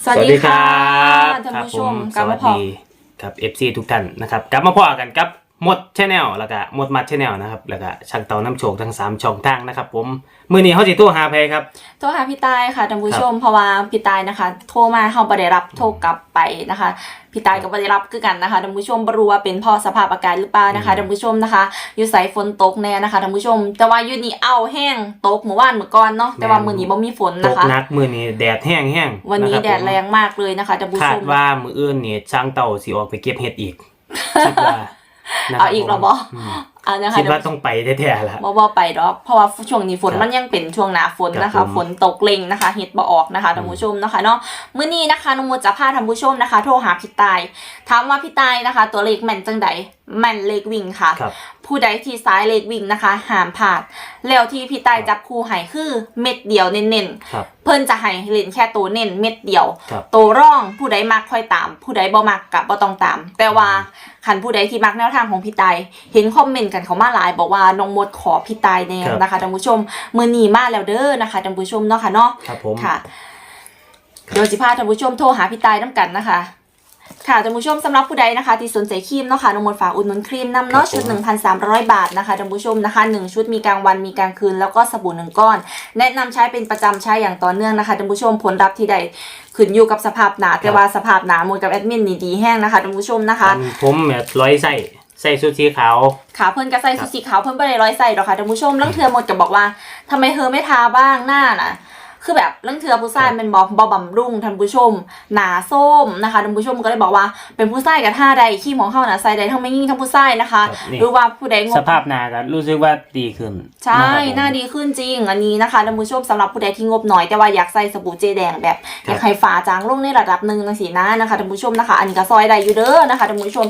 สวัสดีครับท่านผู้ชมสวัสดีครับ FC ทุกท่านนะครับกลับมาพอกันกับมดชาแนลแล้วก็มดมัดชาแนลนะครับแล้วก็ช่างเตาน้ำโชคทั้ง3ช่องทางนะครับผมมื้อนี้เฮาสิโทรหาไผครับโทรหาพี่ตายค่ะท่านผู้ชมเพราะว่าพี่ตายนะคะโทรมาเฮาบ่ได้รับโทรกลับไปนะคะพี่ตายก็บ่ได้รับคือกันนะคะท่านผู้ชมบ่รู้ว่าเป็นเพราะสภาพอากาศหรือเปล่านะคะท่านผู้ชมนะคะอยู่ไสฝนตกแน่นะคะท่านผู้ชมแต่ว่าอยู่นี่เอาแห้งตกเมื่อวานเมื่อก่อนเนาะแต่ว่ามื้อนี้บ่มีฝนนะคะตกหนักมื้อนี้แดดแห้งวันนี้แดดแรงมากเลยนะคะท่านผู้ชมคาดว่ามื้ออื่นนี่ช่างเตาสิออกไปเก็บเห็ดอีกคิดว่าเอาอีกแล้วบ่คิดว่าต้องไปแท้ๆล่ะบ่ไปดอกเพราะว่าช่วงนี้ฝนมันยังเป็นช่วงหน้าฝนนะคะฝนตกเล็งนะคะเฮ็ดบ่ออกนะคะท่านผู้ชมนะคะเนาะมื้อนี้นะคะน้องมดจะพาท่านผู้ชมนะคะโทรหาพี่ตายถามว่าพี่ตายนะคะตัวเลขแม่นจังใดแม่นเลขวิ่งค่ะผู้ใดที่ซ้ายเลขวิ่งนะคะห้ามพลาดแล้วที่พี่ตายจับคู่ให้คือเม็ดเดียวเน้นๆเพิ่นจะให้เล่นแค่ตัวเน้นเม็ดเดียวตัวร่องผู้ใดมักค่อยตามผู้ใดบ่มักก็บ่ต้องตามแต่ว่าคันผู้ใดที่มักแนวทางของพี่ตายเห็นคอมเมนต์กันเขามาหลายบอกว่าน้องมดขอพี่ตายแนวนะคะท่านผู้ชมมื้อนี้มาแล้วเด้อนะคะท่านผู้ชมเนาะค่ะเนาะค่ะเดี๋ยวสิพาท่านผู้ชมโทรหาพี่ตายนำกันนะคะค่ะท่านผู้ชมสำหรับผู้ใดนะคะที่สนใจครีมเนาะค่ะน้องมดฝากอุดหนุนครีมนำเนาะชุด 1,300 บาทนะคะท่านผู้ชมนะคะ1ชุดมีกลางวันมีกลางคืนแล้วก็สบู่1ก้อนแนะนำใช้เป็นประจำใช้อย่างต่อเนื่องนะคะท่านผู้ชมผลลัพธ์ที่ใดขึ้นอยู่กับสภาพหนาแต่ว่าสภาพหนาหมดกับแอดมินนี่ดีแห้งนะคะท่านผู้ชมนะคะผมแบบร้อยใส่ชุดสีขาวค่ะเพิ่นก็ใส่ชุดสีขาวเพิ่นบ่ได้ร้อยใส่ดอกค่ะท่านผู้ชมลังเทื่อหมดก็บอกว่าทำไมเธอไม่ทาบ้างหน้าน่ะคือแบบลังเทื่อผู้ชายเป็นบ่บำรุงท่านผู้ชมหนาส้มนะคะท่านผู้ชมก็เลยบอกว่าเป็นผู้ชายกับท่าใดขี้ของเฮาน่ะใส่ได้ทั้งไม่ยิ่งทั้งผู้ชายนะคะหรือว่าผู้ใดงบสภาพหน้าก็รู้สึกว่าดีขึ้นใช่หน้าดีขึ้นจริงอันนี้นะคะท่านผู้ชมสำหรับผู้ใดที่งบน้อยแต่ว่าอยากใส่สบู่เจแดงแบบอยากให้ฝาจางลงในระดับนึงจังซี่นะนะคะท่านผู้ชมนะคะอันนี้ก็ซอยได้อยู่เด้อนะคะท่านผู้ชม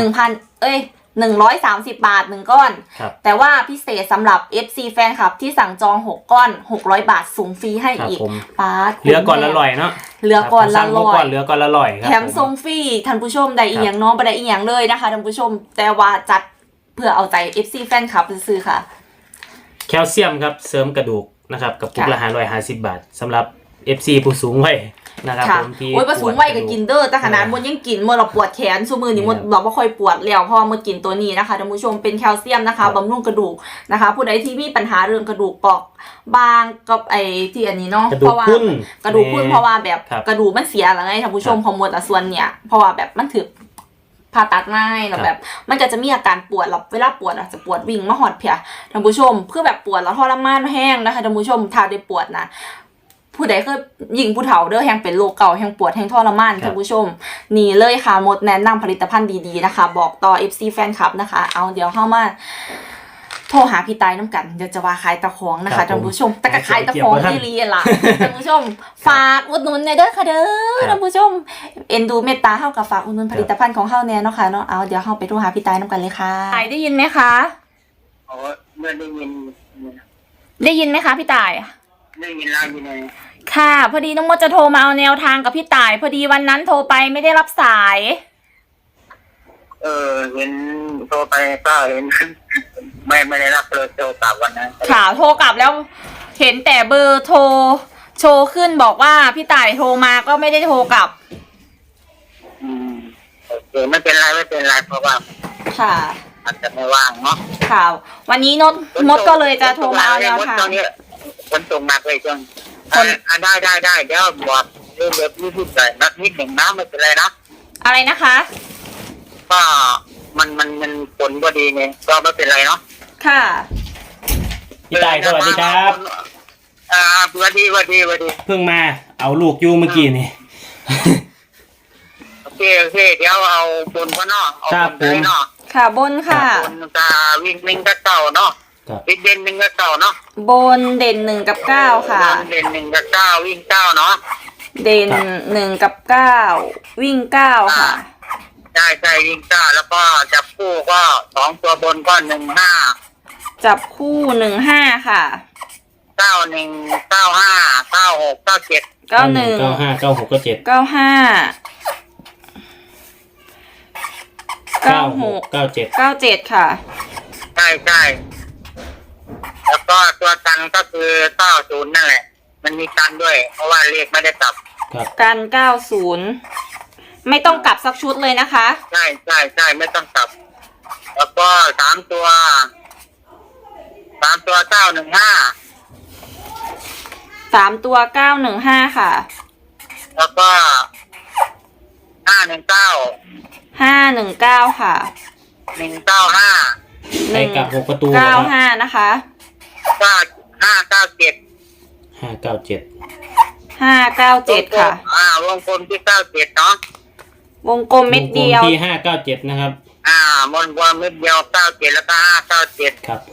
130 บาท1ก้อนแต่ว่าพิเศษสำหรับ FC แฟนคลับที่สั่งจอง6ก้อน600 บาทส่งฟรีให้อีกป้าเหลือก่อนละร้อยเนาะเหลือก่อนละร้อยเหลือก่อนละร้อยแถมส่งฟรีท่านผู้ชมได้อีกอย่างน้องบ่ได้อีกอย่างเลยนะคะท่านผู้ชมแต่ว่าจัดเพื่อเอาใจ FC แฟนคลับซื้อค่ะแคลเซียมครับเสริมกระดูกนะครับกับปุกละ550 บาทสำหรับ FC ผู้สูงวัยนะครับผมที่โอ้ยผู้สูงวัยก็กินเด้อแต่ขนาดมดยังกินมดเราปวดแขนซุมือนี่มดบอกว่าค่อยปวดแล้วเพราะมดกินตัวนี้นะคะท่านผู้ชมเป็นแคลเซียมนะคะบำรุงกระดูกนะคะผู้ใดที่มีปัญหาเรื่องกระดูกเปราะบางกับไอ้ที่อันนี้เนาะเพราะว่ากระดูกพุ่นเพราะว่าแบบกระดูกมันเสียแล้วไงท่านผู้ชมของมดส่วนเนี่ยเพราะว่าแบบมันถือผ่าตัดง่ายแล้วแบบมันก็จะมีอาการปวดเวลาปวดจะปวดวิ่งมาหอดเพียท่านผู้ชมเพื่อแบบปวดแล้วทรมานแห้งนะคะท่านผู้ชมถ้าได้ปวดนะผู้ใดเคยยิงผู้เฒ่าเด้อแห่งเป็นโรคเก่าแห่งปวดแห่งทรมานท่านผู้ชมนี่เลยค่ะมดแนะนำผลิตภัณฑ์ดีๆนะคะบอกต่อ FC แฟนคลับนะคะเอาเดี๋ยวเข้ามาโทรหาพี่ตายน้ำกันเดี๋ยวจะว่าขายตะของนะคะท่านผู้ชมแต่ก็ขายตะของที่เรียนล่ะท่านผู้ชมฝากอุดหนุนในเด้อค่ะเด้อท่านผู้ชมเอ็นดูเมตตาเฮากับฝากอุดหนุนผลิตภัณฑ์ของเฮาแน่เนาะค่ะเนาะเอาเดี๋ยวเฮาไปโทรหาพี่ตายน้ำกันเลยค่ะตายได้ยินไหมคะอ๋อเมื่อได้ยินไหมคะพี่ตายได้ยินแล้วยินเลยค่ะพอดีน้องมดจะโทรมาเอาแนวทางกับพี่ต่ายพอดีวันนั้นโทรไปไม่ได้รับสายเห็นโทรไปก็เห็นไม่ได้รับเลยโทรกลับวันนั้นค่ะโทรกลับแล้วเห็นแต่เบอร์โทรโชว์ขึ้นบอกว่าพี่ต่ายโทรมาก็ไม่ได้โทรกลับโอเคไม่เป็นไรเพราะว่าค่ะอาจจะไม่ว่างเนาะค่ะวันนี้มดก็เลยจะโทรมาเอาแนวทางคนส่งมาเลยจังได้เดี๋ยวบอกเรื่องแบบนี้พูดไปนักนิดหนึ่งนะไม่เป็นไรนะอะไรนะคะก็มันผลก็ดีไงก็ไม่เป็นไรเนาะค่ะพี่ตายสวัสดีครับสวัสดีเพิ่งมาเอาลูกอยู่เมื่อกี้นี่โอเคเดี๋ยวเอาบนก็เนาะเอาบนเนาะค่ะบนค่ะบนจะวิ่งก็เก่าเนาะเด่น1 กับ 9เนาะบนเด่น1 กับ 9ค่ะเด่น1 กับ 9วิ่ง9เนาะเด่น1 กับ 9วิ่ง9ค่ะใช่วิ่ง9แล้วก็จับคู่ก็2ตัวบนก็15 จับคู่15ค่ะ 91 95 96 97 91 95 96 97 95 96 97 97ค่ะใช่แล้วก็ตัวตันก็คือ90นั่นแหละมันมีตันด้วยเพราะว่าเลขไม่ได้ตับครับกัน90ไม่ต้องกลับสักชุดเลยนะคะใช่ไม่ต้องกลับแล้วก็3 ตัว915 3 ตัว915ค่ะแล้วก็519 ค่ะ 195 ไปกลับ6ประตู 95นะคะ 597 597 597ค่ะวงกลมที่97เนาะวงกลมเม็ดเดียวที่597นะครับมนวเม็ดเดียว97แล้วก็597 ครับผม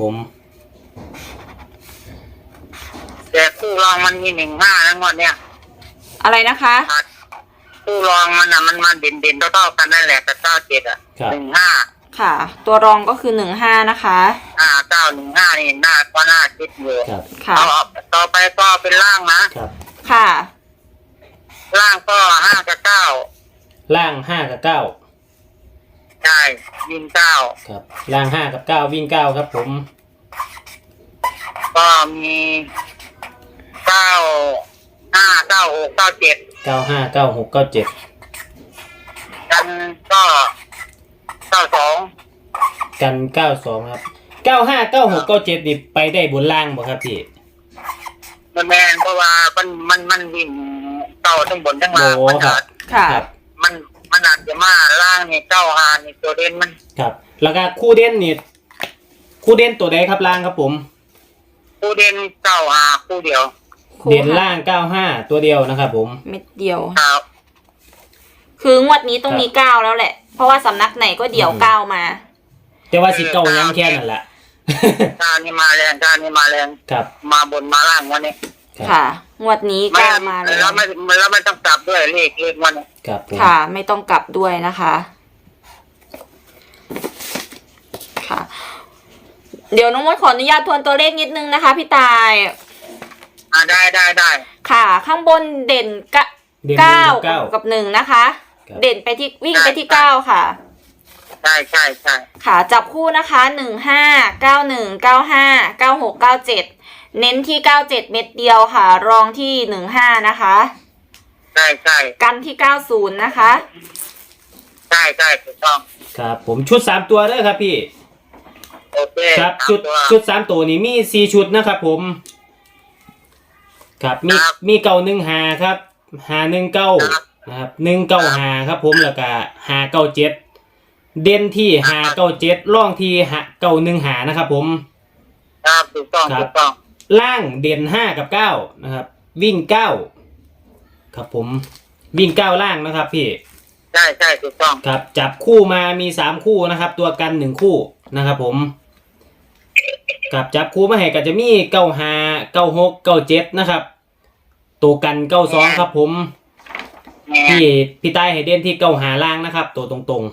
แต่คู่รองมันมี15แล้วงวดเนี้ยอะไรนะคะคู่รองมันมันมาเด่นเท่ากันนั่นแหละแต่97อ่ะครับ 15 ค่ะ ตัวรองก็คือ15นะคะ 915นี่หน้าก็น่าคิดอยู่ครับค่ะต่อไปก็เป็นล่างนะครับค่ะล่างก็5กับ9 ล่าง5กับ9 ใช่ยิง9 ครับล่าง5กับ9วิ่ง9ครับผมก็มี95 96 97 95 96 97 กันก็92 กัน92ครับ95 96 97นี่ไปได้บนล่างบ่ครับพี่มันแมนเพราะว่ามันวิ่งเก้าทั้งบนทั้งล่างโอ้มันครัอาบจค่ะครับมันอาจจะมาล่างนี่95นี่ตัวเด่นมันครับ แล้วก็คู่เด่นนี่คู่เด่นตัวใดครับล่างครับผมคู่เด่น95คู่เดียวคู่เด่นล่าง95ตัวเดียวนะครับผมเม็ดเดียวครับคืองวดนี้ต้องมี9แล้วแหละ เพราะว่าสำนักไหนก็เดี่ยว9มาแต่ว่าสิเก่ายังแค่นั้นแหละการนี่มาแรงครับมาบนมาล่างวันนี้ครับค่ะ งวดนี้9มาเลยแล้วไม่ต้องกลับด้วยเลขวันนี้ครับผมค่ะ ไม่ต้องกลับด้วยนะคะ ค่ะ เดี๋ยวน้องมดขออนุญาตทวนตัวเลขนิดนึงนะคะพี่ตายได้ค่ะ ข้างบนเด่นเด่น 9 เก้ากับ1นะคะครับเด่นไปที่วิ่งไปที่9ค่ะใช่ค่ะจับคู่นะคะ1591959697เน้นที่97เม็ดเดียวค่ะ รองที่15นะคะใช่กันที่90นะคะใช่ถูกต้องครับผมชุด3ตัวเด้อครับพี่โอเคครับตามชุดตัวชุด3ตัวนี้มี4ชุดนะครับผมครับมีครับมี915ครับ519นะครับ195ครับผมแล้วก็597เด่นที่597ร่องที่915นะครับผมครับถูกต้องล่างเด่น5กับ9นะครับวิ่ง9ครับผมวิ่ง9ล่างนะครับพี่ใช่ถูกต้องครับจับคู่มามี3คู่นะครับตัวกัน1คู่นะครับผมกับจับคู่มาให้ก็จะมี95 96 97นะครับตัวกัน92ครับผมพี่ใต้ให้เด่นที่95ล่างนะครับตัวตรง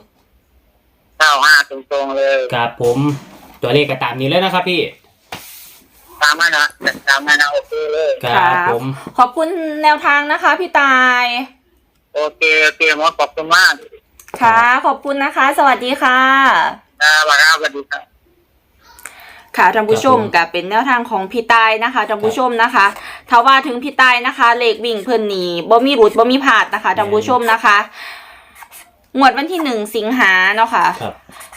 95ตรงๆเลยๆครับผมตัวเลขก็ตามนี้เลยนะครับพี่ตามนั้นนะโอเคเลยครับผมขอบคุณแนวทางนะคะพี่ตายโอเคหมอขอบคุณมากค่ะ ขอบคุณนะคะ สวัสดีค่ะสวัสดีครับค่ะท่านผู้ชมก็เป็นแนวทางของพี่ตายนะคะท่านผู้ชมนะคะถ้าว่าถึงพี่ตายนะคะเลขวิ่งเพิ่นนี่บ่มีหลุดบ่มีพลาดนะคะท่านผู้ชมนะคะงวดวันที่1สิงหาเนาะค่ะครับ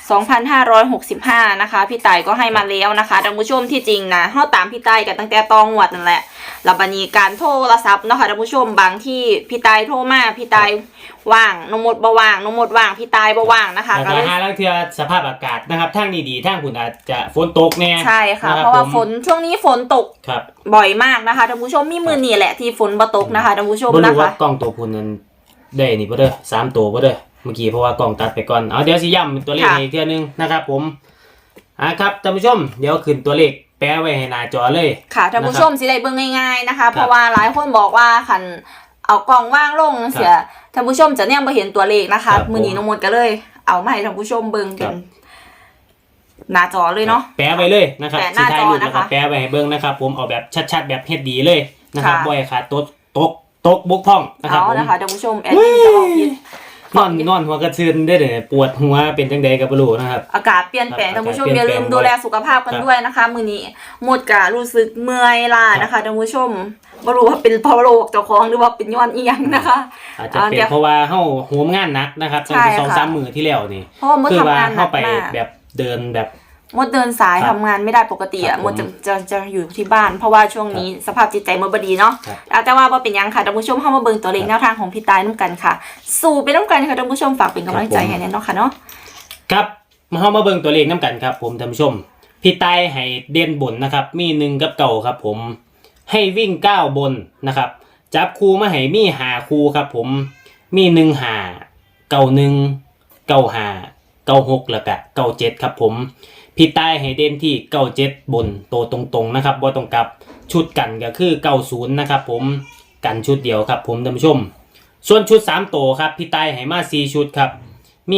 2565นะคะพี่ตายก็ให้มาแล้วนะคะท่านผู้ชมที่จริงนะเฮาตามพี่ตายกันตั้งแต่ตองงวดนั่นแหละแล้วบัดนี้การโทรศัพท์เนาะค่ะท่านผู้ชมบางที่พี่ตายโทรมาพี่ตายว่างน้องมดบ่ว่างน้องมดว่างพี่ตายบ่ว่างนะคะแล้วก็ก็เลยหาแล้วเทื่อสภาพอากาศนะครับทางดีๆทางคุณอาจจะฝนตกแน่ใช่ค่ะนบเพราะว่าผมฝนช่วงนี้ฝนตกครับบ่อยมากนะคะท่านผู้ชมมีมือนี่แหละที่ฝนบ่ตกนะคะท่านผู้ชมบ่นะรู้ว่าคะกล้องตัวพุ่นนั้นได้นี่บ่เด้อ3ตัวบ่เด้อเมื่อกี้เพราะว่ากล้องตัดไปก่อนเอาเดี๋ยวสิย้ำตัวเลขให้อีกเทื่อนึงนะครับผมครับท่านผู้ชมเดี๋ยวขึ้นตัวเลขแปะไว้ให้หน้าจอเลยค่ะท่านผู้ชมสิได้เบิ่งง่ายๆนะคะครับเพราะว่าหลายคนบอกว่าคันเอากล่องว่างลงเสียท่านผู้ชมจะเนี่ยบ่เห็นตัวเลขนะคะครับมื้อนี้น้องมดก็เลย เอามาให้ท่านผู้ชมเบิ่งคเป็รันบหน้าจอเลยเนาะแปะไว้เลยนะครับแปะหสิน้าถ่ายจอรูปนะคะนะครับแปะไว้ให้เบิ่งนะครับผมเอาแบบชัดๆแบบเฮ็ดดีเลยนะครับค่ะบ่ให้ขาดตกบกพร่องนะครับเอาผมนะคะท่านผู้ชมแอดมินจะบอกผิดนอนหัวกระชืนได้เลยปวดหัวเป็นจังใดก็บ่รู้นะครับอากาศเปลี่ยนแปลงครับท่านผู้ชมอากาศอย่าลืมเปลี่ยนแปลงดูแลสุขภาพกันครับด้วยนะคะมื้อนี้หมดกะรู้สึกเมื่อยล้านะคะท่านผู้ชมบ่รู้ว่าเป็นเพราะโรคเจ้าของหรือว่าเป็นย้อนอีหยังนะคะอาจจะเป็นเพราะว่าเฮาโหมงานหนักนะครับตั้งแต่ใช่ค่ะ 2-3 มื้อที่แล้วนี่เพราะว่าหมดคือทำว่างานหนัเฮาก ไปมากแบบเดินแบบมดเดินสายครับทำงานไม่ได้ปกติครัอ่ะบมดจะอยู่ที่บ้าน เพราะว่าช่วงนี้สภาพจิตใจมดบดีเนาะครับแต่ว่าบ่เป็นหยังค่ะท่านผู้ชมเข้ามาเบิ่งตัวเลขแนวทางของพี่ตายน้ำกันค่ะ สู่ไปน้ำกันค่ะท่านผู้ชมฝากเป็นกำลังใจให้แน่เนาะค่ะเนาะครับมาเฮามาเบิ่งตัวเลขนํกันครับผมท่านผู้ชมพี่ตายให้เด่นบนนะครับมี1กับเก่าครับผมให้วิ่ง9บนนะครับจับคู่มาให้มี5คู่ครับผมมี1 5 9 1 9 5 9 6แล้วก็9 7ครับผมพี่ตายให้เด่นที่9 7บนโตตรงๆนะครับบ่ต้องกลับชุดกันก็คือ90นะครับผมกันชุดเดียวครับผมท่านผู้ชมส่วนชุด3โตครับพี่ตายให้มา4ชุดครับมี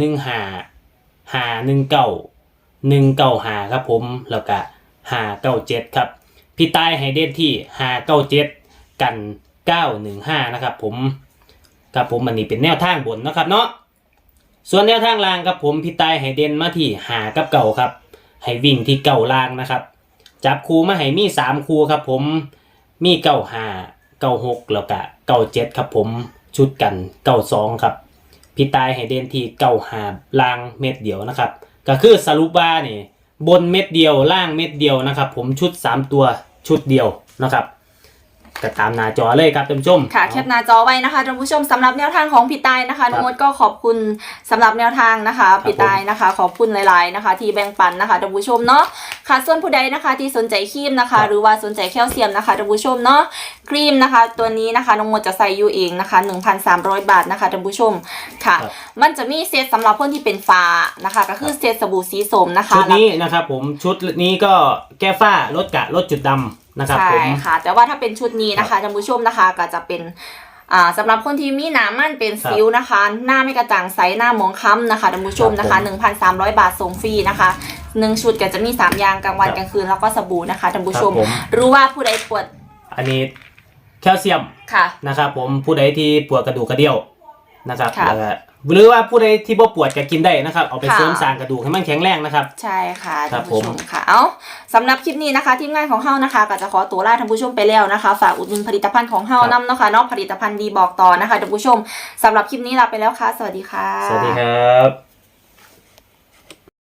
915 519 195ครับผมแล้วก็597ครับพี่ตายให้เด่นที่597กัน915นะครับผมครับผมอันนี้เป็นแนวทางบนนะครับเนาะส่วนแนวทางล่างครับผมพี่ตายให้เด่นมาที่5กับ9ครับให้วิ่งที่9ล่างนะครับจับคู่มาให้มี3คู่ครับผมมี95 96แล้วก็97ครับผมชุดกัน92ครับพี่ตายให้เด่นที่95ล่างเม็ดเดียวนะครับก็คือสรุปว่านี่บนเม็ดเดียวล่างเม็ดเดียวนะครับผมชุด3ตัวชุดเดียวนะครับก็ตามหน้าจอเลยครับท่านผู้ชมค่ะแคปหน้าจอไว้นะคะท่านผู้ชมสำหรับแนวทางของพี่ตายนะคะน้องมดก็ขอบคุณสำหรับแนวทางนะคะพี่ตายนะคะขอบคุณหลายๆนะคะ ที่แบ่งปันนะคะท่านผู้ชมเนาะค่ะส่วนผู้ใดนะคะที่สนใจครีมนะคะ หรือว่าสนใจแคลเซียมนะคะท่านผู้ชมเนาะครีมนะคะ ตัวนี้นะคะน้องมดจะใส่อยู่เองนะคะ 1,300 บาทนะคะท่านผู้ชมค่ะครับมันจะมีเซตสำหรับคนที่เป็นฟ้านะคะก็คือเซตสบู่สีส้มนะคะชุดนี้นะครับผมชุดนี้ก็แก้ฝ้าลดกะลดจุดดำนะครับใช่ผมค่ะแต่ว่าถ้าเป็นชุดนี้นะคะท่านผู้ชมนะคะก็จะเป็นสำหรับคนที่มีหนามันเป็นสิวนะคะ หน้าไม่กระจ่างใสหน้าหมองคล้ำนะคะท่านผู้ชมนะคะ 1,300 บาทส่งฟรีนะคะ1ชุดก็จะมี3อย่างกลางวันกลางคืนแล้วก็สบู่นะคะท่านผู้ชมครับผมรู้ว่าผู้ใดปวดอันนี้แคลเซียมค่ะนะครับผมผู้ใดที่ปวดกระดูกกระเดี่ยวนะครับค่ะแล้วก็หรือว่าผู้ใดที่บ่ปวดก็กินได้นะครับเอาไปค่ะเสริมสร้างกระดูกให้มันแข็งแรงนะครับใช่ค่ะครัท่าบนผู้ชผม มค่ะเอาสำหรับคลิปนี้นะคะทีมงานของเฮานะคะก็จะขอตัวลาท่านผู้ชมไปแล้วนะคะฝากอุดหนุนผลิตภัณฑ์ของเฮาครับนำเนาะค่ะเนาะผลิตภัณฑ์ดีบอกต่อนะคะท่านผู้ชมสำหรับคลิปนี้ลาไปแล้วค่ะสวัสดีค่ะสวัสดีครับ